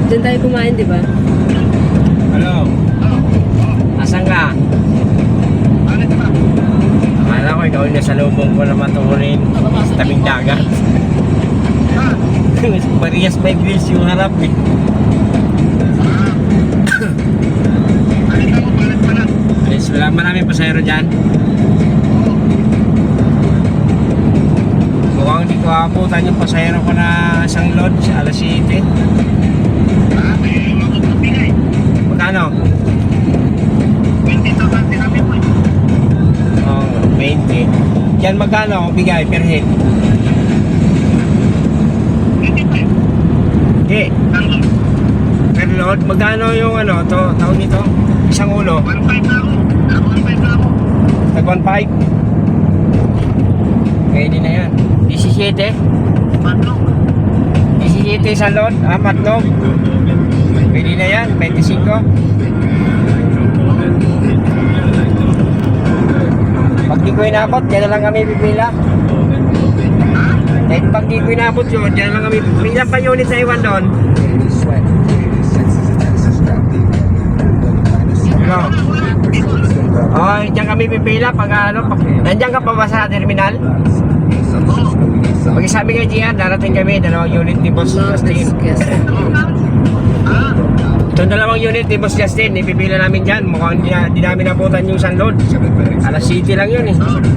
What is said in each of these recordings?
Diyan tayo kumain, di ba? Hello? Asan ka? Akala ko ikaw na sa lubong ko na matuunin sa tabing dagat. Parehas may grills yung harap eh. Alis, wala maraming pasayro dyan. Mukhang hindi ko abutan yung pasayro ko na isang load sa alas 7. Magkano? 20. Yan magkano bigay per head? Okay. Per load, magkano yung ano to, tawag nito? Isang ulo? 1.5 na ako. Tag 1.5? Pwede na yan. 17? 17 sa load? Matlog? Pwede na yan, 25. Pag di ko inabot, dyan na lang kami pipila. Kahit pag di ko inabot yun, dyan na lang kami pipila. Ilan pa unit na iwan doon? Ano? Oh, dyan kami pipila pag ano, nandiyan ka pa ba sa terminal? Pag-isabi kay Gian, darating kami, 2 unit ni Boss Justin. Itong 2 unit ni Boss Justin, ipipila namin dyan. Mukhang di namin nabutan yung sunload. Alas 7 lang yun eh.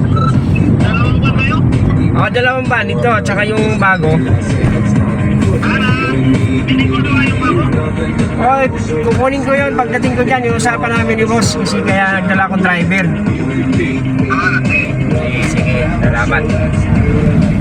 Oo, 2 van ito, tsaka yung bago. Oh, kukunin ko yun pagdating ko dyan, yung usapan namin ni Boss. Kasi kaya nagdala akong driver. Sige, salamat.